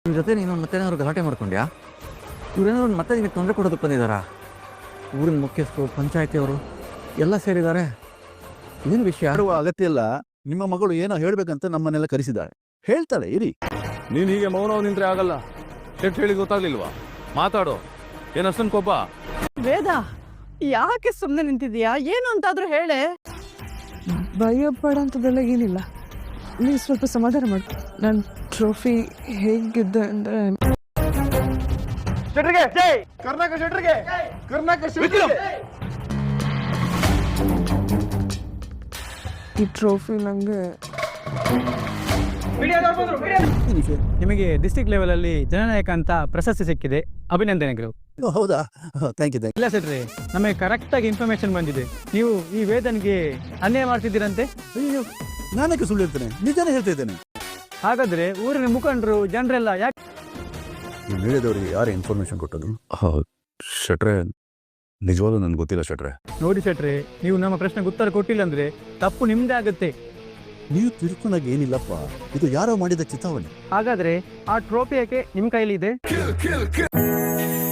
ಇವ್ರ ಜೊತೆ ನೀನು ಮತ್ತೇನಾದ್ರು ಗಲಾಟೆ ಮಾಡ್ಕೊಂಡ್ಯಾ? ಇವ್ರೇನಾದ್ರು ಮತ್ತೆ ನಿಮಗೆ ತೊಂದರೆ ಕೊಡೋದಕ್ಕೆ ಬಂದಿದ್ದಾರಾ? ಊರಿನ ಮುಖ್ಯಸ್ಥರು, ಪಂಚಾಯತಿಯವರು ಎಲ್ಲ ಸೇರಿದ್ದಾರೆ. ಏನು ವಿಷಯ? ಆಡುವ ಅಗತ್ಯ ಇಲ್ಲ. ನಿಮ್ಮ ಮಗಳು ಏನೋ ಹೇಳ್ಬೇಕಂತ ನಮ್ಮನ್ನೆಲ್ಲ ಕರೆಸಿದ್ದಾಳೆ. ಹೇಳ್ತಾಳೆ, ಇರಿ. ನೀನ್ ಹೀಗೆ ಮೌನವಾಗಿ ನಿಂತ್ರೆ ಆಗಲ್ಲ. ಶೆಟ್ ಹೇಳಿ ಗೊತ್ತಾಗ್ಲಿಲ್ವಾ? ಮಾತಾಡೋ. ಏನಷ್ಟೊಂದು ಕೋಪ? ವೇದ, ಯಾಕೆ ಸುಮ್ಮನೆ ನಿಂತಿದ್ಯಾ? ಏನು ಅಂತಾದ್ರೂ ಹೇಳೆ. ಭಯಪಡ ಅಂತದೆಲ್ಲ ಏನಿಲ್ಲ. ನೀವು ಸ್ವಲ್ಪ ಸಮಾಧಾನ ಮಾಡಿ. ನನ್ನ ಟ್ರೋಫಿ ಹೇಗಿದೆ ಅಂದರೆ ಈ ಟ್ರೋಫಿ ನನಗೆ ನಿಮಗೆ ಡಿಸ್ಟ್ರಿಕ್ಟ್ ಲೆವೆಲಲ್ಲಿ ಜನನಾಯಕ ಅಂತ ಪ್ರಶಸ್ತಿ ಸಿಕ್ಕಿದೆ. ಅಭಿನಂದನೆಗಳು. ಹೌದಾ? Thank you. ಇಲ್ಲ ಸೆಟ್ರಿ, ನಮಗೆ ಕರೆಕ್ಟಾಗಿ ಇನ್ಫಾರ್ಮೇಶನ್ ಬಂದಿದೆ. ನೀವು ಈ ವೇದನ್ಗೆ ಅನ್ಯಾಯ ಮಾಡ್ತಿದ್ದೀರಂತೆ. ಅಯ್ಯೋ, ನಾನಕ್ಕೆ ಸುಳ್ಳು ಹೇಳ್ತೇನೆ, ನಿಜಾನೇ ಹೇಳ್ತಾ ಇದ್ದೇನೆ. ಹಾಗಾದ್ರೆ ಊರಿನ ಮುಖಂಡರು ಜನರೆಲ್ಲ ಯಾಕೆ ಈ ಮೀಡಿಯಾದವ್ರಿಗೆ ಯಾರು ಇನ್ಫಾರ್ಮೇಶನ್ ಕೊಟ್ಟದು? ಶೆಟ್ರೆ, ನಿಜವಾಗ್ಲೂ ನನ್ಗೆ ಗೊತ್ತಿಲ್ಲ ಶೆಟ್ರೆ. ನೋಡಿ ಸೆಟ್ರಿ, ನೀವು ನಮ್ಮ ಪ್ರಶ್ನೆಗೆ ಉತ್ತರ ಕೊಟ್ಟಿಲ್ಲ ಅಂದ್ರೆ ತಪ್ಪು ನಿಮ್ದೇ ಆಗುತ್ತೆ. ನೀವು ತಿಳ್ಕೊಂಡಾಗ ಏನಿಲ್ಲಪ್ಪ, ಇದು ಯಾರೋ ಮಾಡಿದ ಚಿತಾವಣೆ. ಹಾಗಾದ್ರೆ ಆ ಟ್ರೋಫಿ ಯಾಕೆ ನಿಮ್ ಕೈಲಿ ಇದೆ?